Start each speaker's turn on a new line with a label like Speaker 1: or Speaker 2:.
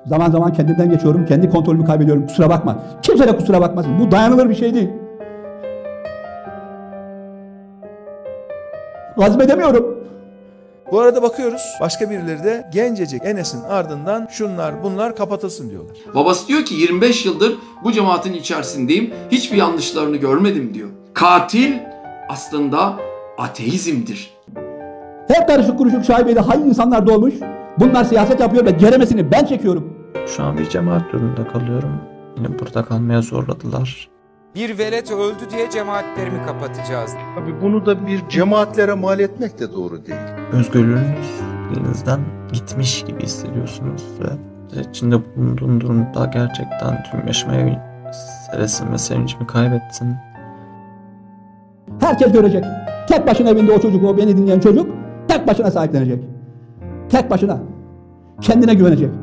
Speaker 1: Zaman zaman kendimden geçiyorum, kendi kontrolümü kaybediyorum. Kusura bakma. Kimse de kusura bakmasın. Bu dayanılır bir şey değil. Hazmedemiyorum.
Speaker 2: Bu arada bakıyoruz başka birileri de gencecik Enes'in ardından şunlar bunlar kapatılsın diyorlar.
Speaker 3: Babası diyor ki 25 yıldır bu cemaatin içerisindeyim. Hiçbir yanlışlarını görmedim diyor. Katil aslında ateizmdir.
Speaker 1: Hep karışık kuruşuk şaibeli hain insanlar dolmuş. Bunlar siyaset yapıyor ve ceremesini ben çekiyorum.
Speaker 4: Şu an bir cemaat yolunda kalıyorum. Yine burada kalmaya zorladılar.
Speaker 5: Bir velet öldü diye cemaatlerimi kapatacağız.
Speaker 6: Tabii bunu da bir cemaatlere mal etmek de doğru değil.
Speaker 4: Özgürlüğünüz elinizden gitmiş gibi hissediyorsunuz ve içinde bulunduğun durumda gerçekten tüm yaşamaya hevesim ve sevincimi kaybettin.
Speaker 1: Herkes görecek. Tek başına evinde o çocuk, o beni dinleyen çocuk tek başına sahiplenecek. Tek başına. Kendine güvenecek.